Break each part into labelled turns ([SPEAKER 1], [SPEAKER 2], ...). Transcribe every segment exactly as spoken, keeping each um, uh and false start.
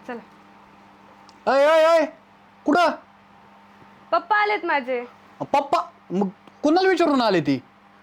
[SPEAKER 1] चला.
[SPEAKER 2] अय अय अय कुठं?
[SPEAKER 1] पप्पा आलेत माझे.
[SPEAKER 2] पप्पा मग कुणाला विचारून आले ती?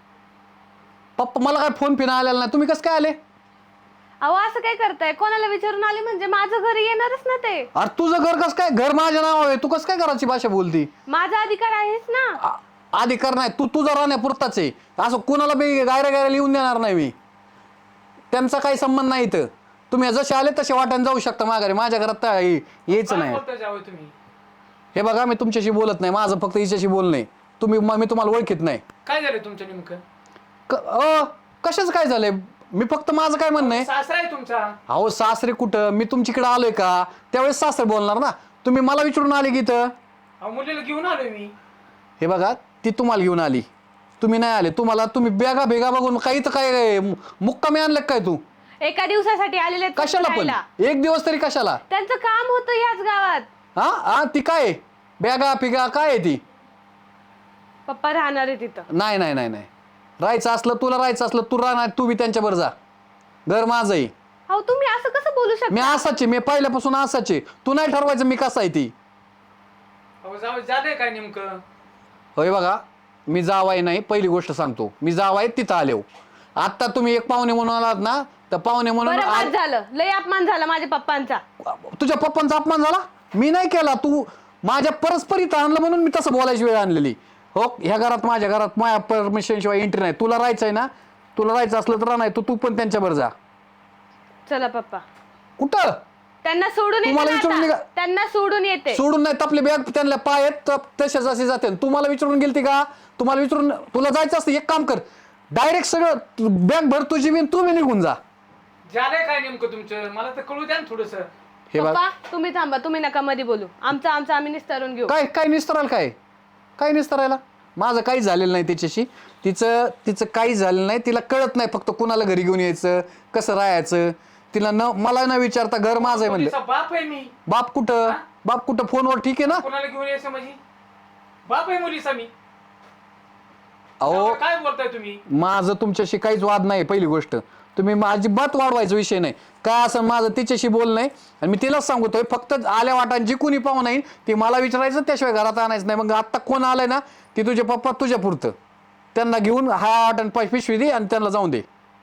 [SPEAKER 2] पप्पा मला काय फोन पिना आलेला नाही, तुम्ही कसं काय आले?
[SPEAKER 1] अहो असं काय करताय? कोणाला विचारून आले म्हणजे माझं घर येणारच ना ते.
[SPEAKER 2] अरे तुझं घर कसं काय? घर माझ्या नावावर आहे, तू कसं काय घराची भाषा बोलती?
[SPEAKER 1] माझा अधिकार आहेच ना.
[SPEAKER 2] आ- अधिकार नाही, तू तुझा राहण्यापुरताच आहे. असं कुणाला बी गायऱ्या गायऱ्या लिहून देणार नाही मी. त्यांचा काही संबंध नाही इथं. तुम्ही जसे आले तसे वाटाने जाऊ शकता माघारी. माझ्या घरात तर यायचं नाही.
[SPEAKER 3] तुम्ही
[SPEAKER 2] हे बघा मी तुमच्याशी बोलत नाही, माझं फक्त हिच्याशी बोलणं आहे. तुम्ही मी तुम्हाला ओळखीत नाही.
[SPEAKER 3] काय झालं तुमचं नेमकं?
[SPEAKER 2] क- अ, कशाच काय झालंय? मी फक्त माझं काय म्हणणं आहे.
[SPEAKER 3] सासरा आहे तुमचा.
[SPEAKER 2] अहो सासरे कुठं? मी तुमच्याकडे आलोय का त्यावेळेस सासरे बोलणार ना. तुम्ही मला विचारून आले की इथं.
[SPEAKER 3] अहो मुलीला घेऊन आलोय मी.
[SPEAKER 2] हे बघा ती तुम्हाला घेऊन आली, तुम्ही नाही आले. तुम्हाला तुम्ही बेगा भेगा बघून काही तर काय मुक्कामी आणलं काय? तू
[SPEAKER 1] एका दिवसासाठी आलेले आहेत
[SPEAKER 2] कशाला पण?
[SPEAKER 1] राहायला.
[SPEAKER 2] एक दिवस तरी कशाला?
[SPEAKER 1] त्यांचं काम होतं याच गावात.
[SPEAKER 2] हा हा ती काय बेगा पिगा काय आहे ती?
[SPEAKER 1] पप्पा राहणार आहे तिथं.
[SPEAKER 2] नाही नाही नाही नाही राहायचं असलं, तुला राहायचं असलं तू राहणार, तू बी त्यांच्याबरोबर जा. घर माझं आहे.
[SPEAKER 1] अहो तुम्ही असं कसं बोलू
[SPEAKER 2] मी
[SPEAKER 1] शकता?
[SPEAKER 2] असाचे, मी पहिल्यापासून असाचे. तू नाही ठरवायचं मी कसा आहे ती.
[SPEAKER 3] अहो जाऊ झालंय काय नेमकं?
[SPEAKER 2] होय बघा मी जावाय नाही, पहिली गोष्ट सांगतो. मी जावाय तिथं आलो. आता तुम्ही एक पाहुणे म्हणून आलात ना, तर पाहुणे म्हणून
[SPEAKER 1] बरं
[SPEAKER 2] आ-
[SPEAKER 1] बाद झालं. लय अपमान झाला माझ्या पप्पांचा.
[SPEAKER 2] तुझ्या पप्पांचा अपमान झाला? मी नाही केला. तू माझ्या परस्पर इथं आणलं म्हणून मी तसं बोलायची वेळ आणलेली. हो ह्या घरात माझ्या घरात माझ्या परमिशन शिवाय एंट्री नाही. तुला राहायचंय ना, तुला राहायचं असलं तर नाही, तू तू पण त्यांच्याबरोबर जा.
[SPEAKER 1] चला पप्पा.
[SPEAKER 2] कुठं?
[SPEAKER 1] त्यांना सोडून येते
[SPEAKER 2] तुम्हाला
[SPEAKER 1] ना
[SPEAKER 2] विचारून
[SPEAKER 1] आता.
[SPEAKER 2] निघा.
[SPEAKER 1] त्यांना सोडून येते.
[SPEAKER 2] सोडून नाही, आपले बॅग त्यांना पाय आहेत तसेच असे जाते. तुम्हाला विचारून गेलती का? तुम्हाला विचारून तुला जायचं असतं एक काम कर, डायरेक्ट सगळं बॅग भर तुझी बी तू बी निघून जा.
[SPEAKER 3] झालंय काय नेमकं तुमचं? मला तर कळू द्या ना थोडस.
[SPEAKER 2] हे बघ
[SPEAKER 1] पप्पा तुम्ही थांबा. तुम्ही नका मध्ये बोलू. आमचं आमचं आम्ही निस्तारून घेऊ.
[SPEAKER 2] काय काय निस्तरायला काय काय निस्तरायला? माझं काही झालेलं नाही तिच्याशी. तिचं तिचं काही झालेलं नाही. तिला कळत नाही फक्त कुणाला घरी घेऊन यायचं, कसं राहायचं. तिला न मला न विचारता घर माझं आहे म्हणलं.
[SPEAKER 3] मुलीचा बाप आहे मी.
[SPEAKER 2] बाप कुठं? बाप कुठं? फोनवर ठीक आहे ना.
[SPEAKER 3] कोणाला घेऊन यायचं म्हणजे? बाप आहे मुलीचा मी.
[SPEAKER 2] अहो
[SPEAKER 3] काय बोलताय तुम्ही?
[SPEAKER 2] माझं तुमच्याशी काहीच वाद नाही. पहिली गोष्ट तुम्ही माझी बात वाढवायचा विषय नाही. काय असं माझं तिच्याशी बोल नाही. आणि मी तिलाच सांगतोय फक्त आल्या वाटान जी कुणी पाहू नाही ती मला विचारायचं, त्याशिवाय घरात आणायचं नाही. मग आता कोण आलंय ना ती तुझे पप्पा तुझ्या पुरतं. त्यांना घेऊन हा वाटण पिशवी दे आणि त्यांना जाऊन दे.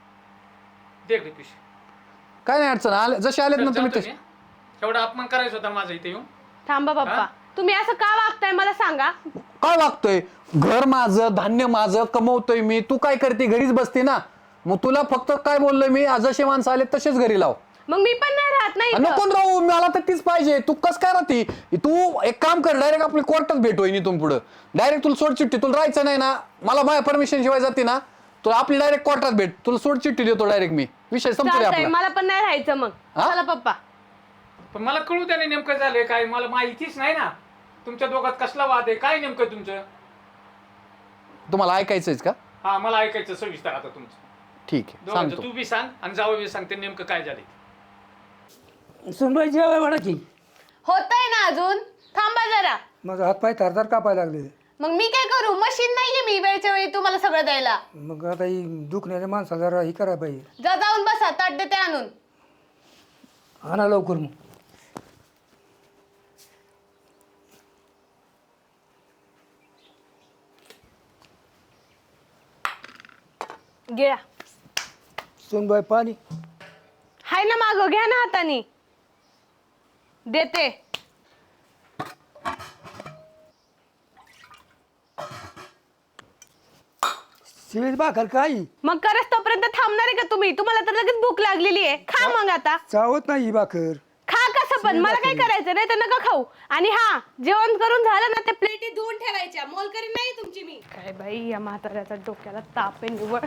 [SPEAKER 3] दे रे पिशवी.
[SPEAKER 2] काय नाही अडचण. आले जसे आलेत ना तुम्ही
[SPEAKER 3] जातो
[SPEAKER 2] तसे.
[SPEAKER 3] मी. एवढा अपमान करायचा होता माझा इथे येऊन?
[SPEAKER 1] थांबा पप्पा. तुम्ही असं का वागताय मला सांगा.
[SPEAKER 2] काय वागतोय? घर माझं, धान्य माझं, कमवतोय मी. तू काय करते? घरीच बसते ना. मग तुला फक्त काय बोललोय मी, जसे माणसं आले तसेच घरी लाव.
[SPEAKER 1] मग मी पण नाही राहत नाही इथं.
[SPEAKER 2] नको राहू, मला तर तीच पाहिजे. तू कस काय राहते? तू एक काम कर, डायरेक्ट आपली कोर्टात भेट होईन इथून पुढं. डायरेक्ट तुला सोड चिठ्ठी. तुला राहायचं नाही ना, मला माझ्या परमिशन शिवाय जाते ना, तुला आपली डायरेक्ट कोर्टात भेट. तुला सोड चिठ्ठी देतो डायरेक्ट मी. विषय संपतो
[SPEAKER 1] चालतंय.
[SPEAKER 2] आपला.
[SPEAKER 1] मला पण नाही राहायचं मग.
[SPEAKER 2] हा?
[SPEAKER 1] चला पप्पा.
[SPEAKER 3] पण मला कळू द्या ना नेमकं झालंय काय. मला माहितीच नाही ना. तुमच्या दोघात कसला वाद आहे? काय नेमकं तुमचं?
[SPEAKER 2] तुम्हाला ऐकायचंच का?
[SPEAKER 3] हा मला ऐकायचं सविस्तर आता तुमचं.
[SPEAKER 2] ठीक आहे
[SPEAKER 3] दोघांचं
[SPEAKER 2] सांगतो.
[SPEAKER 3] तू बी सांग आणि जावं बी सांग ते नेमकं काय झालंय.
[SPEAKER 4] सुनबाई जेवाय वाढायची.
[SPEAKER 1] होतंय ना अजून. थांबा जरा.
[SPEAKER 4] माझा हातपाय थरथर कापायला लागले.
[SPEAKER 1] मग मी काय करू? मशीन नाहीये मी वेळच्या वेळी तुम्हाला सगळं द्यायला.
[SPEAKER 4] मग आता ही दुखण्याच्या माणसाला जरा ही करायला पाहिजे.
[SPEAKER 1] जा जाऊन बसा. ताट देते आणून.
[SPEAKER 4] आणा लवकर मग.
[SPEAKER 1] घ्या.
[SPEAKER 4] सुनबाई पाणी.
[SPEAKER 1] हाय ना मागं. घ्या ना हातानी. देते.
[SPEAKER 4] शिळीच भाकर काही
[SPEAKER 1] मग करस तोपर्यंत थांबणार आहे का तुम्ही? तुम्हाला तर लगेच भूक लागलेली आहे. खा मग आता.
[SPEAKER 4] चावत नाही ही भाकर.
[SPEAKER 1] खा कसं पण. मला काय करायचं नाही तर नका खाऊ. आणि हा जेवण करून झालं ना, त्या प्लेटी धुवून ठेवायच्या. मोलकरी नाही तुमची मी. काय बाई या म्हाताऱ्याचा डोक्याला ताप आहे निवड.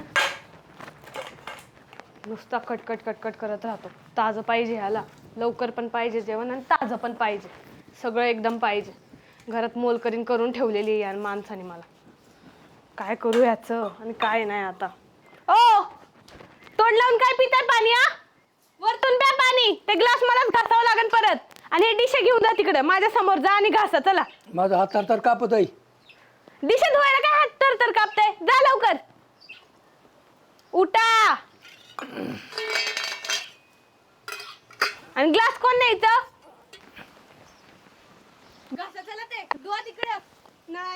[SPEAKER 1] नुसता कटकट कटकट करत राहतो. ताजं पाहिजे ह्याला. लवकर पण पाहिजे जेवण आणि ताजं पण पाहिजे. सगळं एकदम पाहिजे. घरात मोलकरीन करून ठेवलेली आहे या माणसाने. मला काय करू याचं आणि काय नाही आता. ओ तोंड लावून काय पिताय पाणी? हा वरतून प्या पाणी. ते ग्लास मलाच घासावं लागेल परत. आणि हे डिशे घेऊन जा तिकडे माझ्या समोर. जा आणि घासा. चला.
[SPEAKER 4] माझा हात थरथर कापत आहे.
[SPEAKER 1] डिशे धुवायला काय हात तर तर कापताय? जा लवकर. उठा. आणि ग्लास कोण न्यायचं?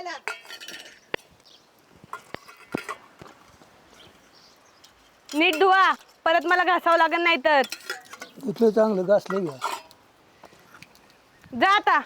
[SPEAKER 1] नीट धुवा, परत मला घासावं लागत नाही तर.
[SPEAKER 4] इथलं चांगलं घासलं घ्या.
[SPEAKER 1] जा आता.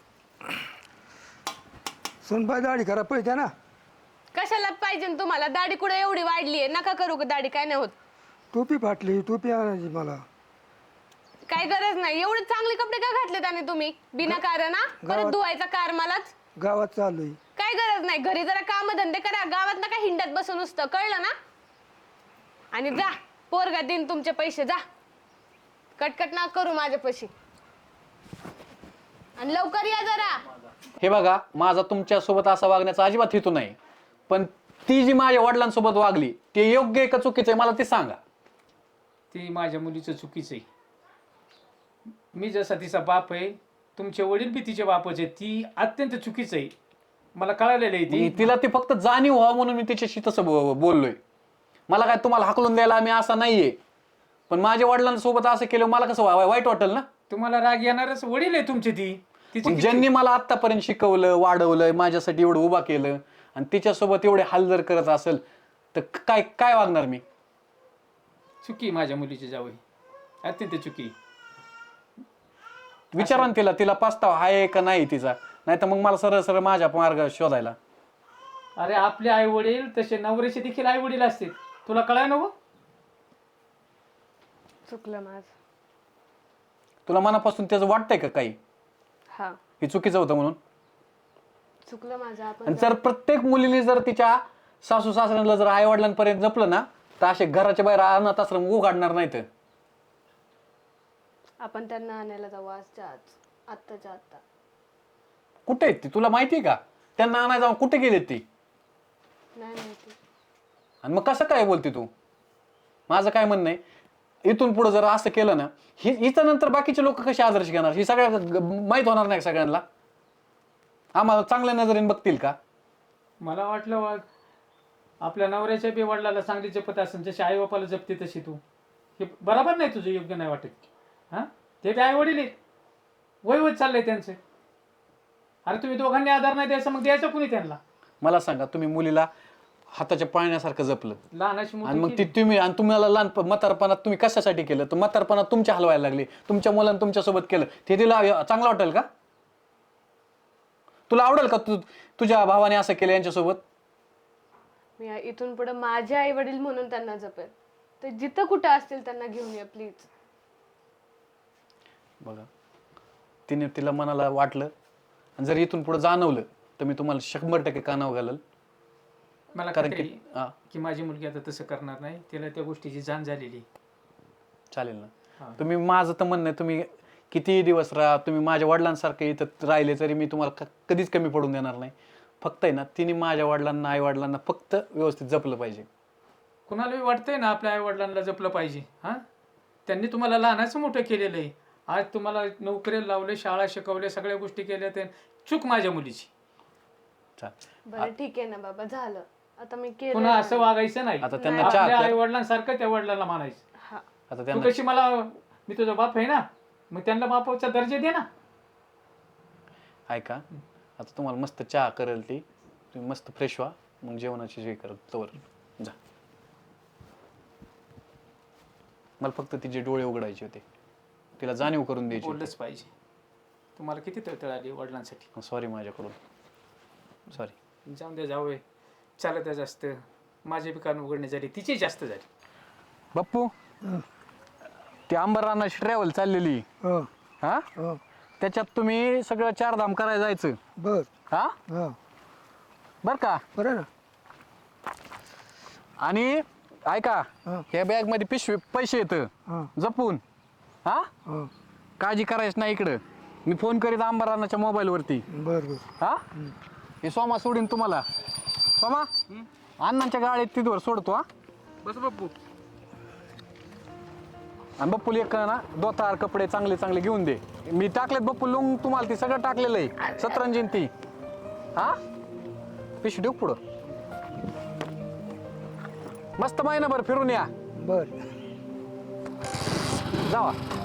[SPEAKER 4] सुनबाई दाढी करा पैसे ना.
[SPEAKER 1] कशाला पाहिजे न तुम्हाला? दाढी कुठे एवढी वाढली आहे? नका करू का दाढी, काय नाही होत.
[SPEAKER 4] टोपी फाटली, टोपी आणायची मला.
[SPEAKER 1] काय गरज नाही. एवढे चांगले कपडे का घातले त्याने तुम्ही बिना कारण? हा? परत
[SPEAKER 4] गावात-
[SPEAKER 1] धुवायचा कार मलाच.
[SPEAKER 4] गावात चाललोय.
[SPEAKER 1] काय गरज नाही. घरी जरा काम धंदे करा. गावात नका हिंडत बसून नुसतं, कळलं ना? आणि जा, पोरगा देईन तुमचे पैसे. जा, कटकट ना करू माझ्या पैसे. आणि लवकर या जरा.
[SPEAKER 2] हे बघा, माझा तुमच्यासोबत असा वागण्याचा अजिबात हेतू नाही, पण ती जी माझ्या वडिलांसोबत वागली ते योग्य आहे का चुकीचं आहे मला ते सांगा.
[SPEAKER 3] ती माझ्या मुलीचं चुकीचं आहे. मी जसा तिचा बाप आहे, तुमचे वडील बी तिचे बापच आहे. ती अत्यंत चुकीचं आहे, मला कळालेलं आहे. ती
[SPEAKER 2] तिला ती फक्त जाणीव व्हावं म्हणून मी तिच्याशी तसं बो- बोललोय. मला काय तुम्हाला हाकलून द्यायला आम्ही असं नाहीये, पण माझ्या वडिलांसोबत असं केलं मला कसं वा- वाईट वाटेल ना.
[SPEAKER 3] तुम्हाला राग येणारच वडील आहे तुमचे. ती तिची
[SPEAKER 2] पण
[SPEAKER 3] किती-
[SPEAKER 2] ज्यांनी मला आतापर्यंत शिकवलं, वाढवलं, माझ्यासाठी एवढं उभा केलं आणि तिच्यासोबत एवढे हाल जर करत असेल तर काय काय वागणार मी?
[SPEAKER 3] चुकी माझ्या मुलीची जावई, अत्यंत चुकी.
[SPEAKER 2] विचारा ना तिला, तिला पस्ताव आहे का नाही तिचा, नाही तर मग मला सरळ सरळ माझ्या मार्ग शोधायला.
[SPEAKER 3] अरे आपले आई वडील तसे नवऱ्याचे देखील आई वडील असतील, तुला कळाय नको?
[SPEAKER 1] चुकलं माझं.
[SPEAKER 2] तुला मनापासून त्याचं वाटतंय का काही
[SPEAKER 1] हा,
[SPEAKER 2] हे चुकीचं होतं म्हणून?
[SPEAKER 1] चुकलं माझं. आपण
[SPEAKER 2] आणि जर प्रत्येक मुलीने जर तिच्या सासू सासऱ्यांना जर आई वडिलांपर्यंत जपलं ना तर असे घराच्या बाहेर अनाथ आश्रम उघडणार नाहीत.
[SPEAKER 1] आपण त्यांना आणायला जाऊ आजच्या आज, आत्ताच्या आत्ता.
[SPEAKER 2] कुठे आहेत ती तुला माहिती आहे का? त्यांना आणायला जाऊन कुठे गेलेत ती?
[SPEAKER 1] नाही माहिती.
[SPEAKER 2] आणि मग कसं काय बोलते तू? माझं काय म्हणणं आहे, इथून पुढे जर असं केलं ना, ही हिचं नंतर बाकीचे लोक कसे आदर्श घेणार? ही सगळ्या माहीत होणार नाही सगळ्यांना? आम्हाला चांगल्या नजरेने बघतील का?
[SPEAKER 3] मला वाटलं वा- आपल्या नवऱ्याच्या बी वडिलाला चांगली जपत असेल, जशी आई बापाला जपते तशी तू. हे बरोबर नाही, तुझं योग्य नाही वाटत. हा, ते बी आई वडील आहेत, वय होत चाललंय त्यांचं. अरे तुम्ही दोघांनी आधार नाही द्यायचा, मग द्यायचं कुणी त्यांना?
[SPEAKER 2] मला सांगा, तुम्ही मुलीला हाताच्या पाळण्यासारखं जपलं
[SPEAKER 3] लहानाची
[SPEAKER 2] आणि मग
[SPEAKER 3] मोठी
[SPEAKER 2] ती तुम्ही आणि तुम्हाला लहान म्हातारपणात तुम्ही कशासाठी केलं? तर म्हातारपणात तुमच्या हलवायला लागली, तुमच्या मुलांनी तुमच्यासोबत केलं, ते तिला चांगलं वाटेल का? तुला आवडेल का तू तुझ्या भावाने असं केलं यांच्यासोबत?
[SPEAKER 1] मी आ- इथून पुढे माझे आई वडील म्हणून त्यांना जपेल. ते जिथं कुठं असतील त्यांना घेऊन या प्लीज.
[SPEAKER 2] बघा, तिने तिला मनाला वाटलं आणि जर इथून पुढे जाणवलं तर मी तुम्हाला शंभर टक्के कानावर घालल.
[SPEAKER 3] मला
[SPEAKER 2] कारण
[SPEAKER 3] खात्री
[SPEAKER 2] की
[SPEAKER 3] आहे
[SPEAKER 2] हा
[SPEAKER 3] की माझी मुलगी आता तसं करणार नाही. तिला त्या गोष्टीची जाण झालेली आहे.
[SPEAKER 2] चालेल
[SPEAKER 3] हा.
[SPEAKER 2] ना. तुम्ही माझं तर म्हणणं आहे, तुम्ही कितीही दिवस राहा, तुम्ही माझ्या वडिलांसारखे इथं राहिले तरी मी तुम्हाला क- कधीच कमी पडून देणार नाही. फक्त आहे ना, तिने माझ्या वडिलांना आई वडिलांना फक्त व्यवस्थित जपलं पाहिजे.
[SPEAKER 3] कुणालाही वाटतंय ना आपल्या आई वडिलांना जपलं पाहिजे. हा, त्यांनी तुम्हाला लहानाचं मोठं केलेलं आहे. आज तुम्हाला नोकरीला लावले, शाळा शिकवल्या, सगळ्या गोष्टी केल्या. ते चूक माझ्या मुलीची.
[SPEAKER 2] चालेल.
[SPEAKER 1] बरं ठीक आहे ना बाबा, झालं आता. मी केलं.
[SPEAKER 3] पुन्हा असं वागायचं नाही.
[SPEAKER 2] आता त्यांना
[SPEAKER 1] नाही.
[SPEAKER 2] चहा
[SPEAKER 3] आपल्या आई
[SPEAKER 2] प्या.
[SPEAKER 3] वडिलांसारखं त्या वडिलांना मानायचं.
[SPEAKER 1] हा,
[SPEAKER 2] आता
[SPEAKER 3] तू
[SPEAKER 2] त्यांना
[SPEAKER 3] कशी मला, मी तुझा बाप आहे ना, मग त्यांना बापाचा दर्जा दे ना.
[SPEAKER 2] ऐका, आता तुम्हाला मस्त चहा करेल ती, तुम्ही मस्त फ्रेश व्हा, मग जेवणाची जे करत तवर जा. मला फक्त तिचे डोळे उघडायचे होते, तिला जाणीव करून द्यायची
[SPEAKER 3] बोललंच पाहिजे. तुम्हाला किती तळतळ आली वडिलांसाठी.
[SPEAKER 2] सॉरी माझ्याकडून, सॉरी.
[SPEAKER 3] जाऊन द्या, जावं चालत आहे जास्त. माझे बी कान उघडणे झाली, तिची जास्त झाली.
[SPEAKER 2] बाप्पू, ती अंबरनाथची ट्रॅव्हल चाललेली
[SPEAKER 4] हो
[SPEAKER 2] हा,
[SPEAKER 4] हो
[SPEAKER 2] त्याच्यात तुम्ही सगळं चारधाम करायला जायचं
[SPEAKER 4] बर
[SPEAKER 2] हा,
[SPEAKER 4] हा
[SPEAKER 2] बर का?
[SPEAKER 4] बरं ना.
[SPEAKER 2] आणि ऐका,
[SPEAKER 4] हा.
[SPEAKER 2] ह्या बॅग मध्ये पिशवी पैसे येत
[SPEAKER 4] हा
[SPEAKER 2] जपून. हा,
[SPEAKER 4] हो
[SPEAKER 2] काळजी करायची नाही. इकडं मी फोन करीत अंबरनाथच्या मोबाईल वरती.
[SPEAKER 4] बर बर.
[SPEAKER 2] हा, हे सोमा सोडीन तुम्हाला. सोमा, अण्णांच्या गाडीत तिथवर सोडतो. हा,
[SPEAKER 3] बस बाप्पू.
[SPEAKER 2] आणि बप्पूला एक ना दोतार कपडे चांगले चांगले घेऊन दे. मी टाकलेत बप्पू लुंग तुम्हाला, ती सगळं टाकलेलं आहे, सतरंजीन ती. हा, पिशवी ठेव पुढं. मस्त महिनाभर फिरून या.
[SPEAKER 4] बर.
[SPEAKER 2] जावा.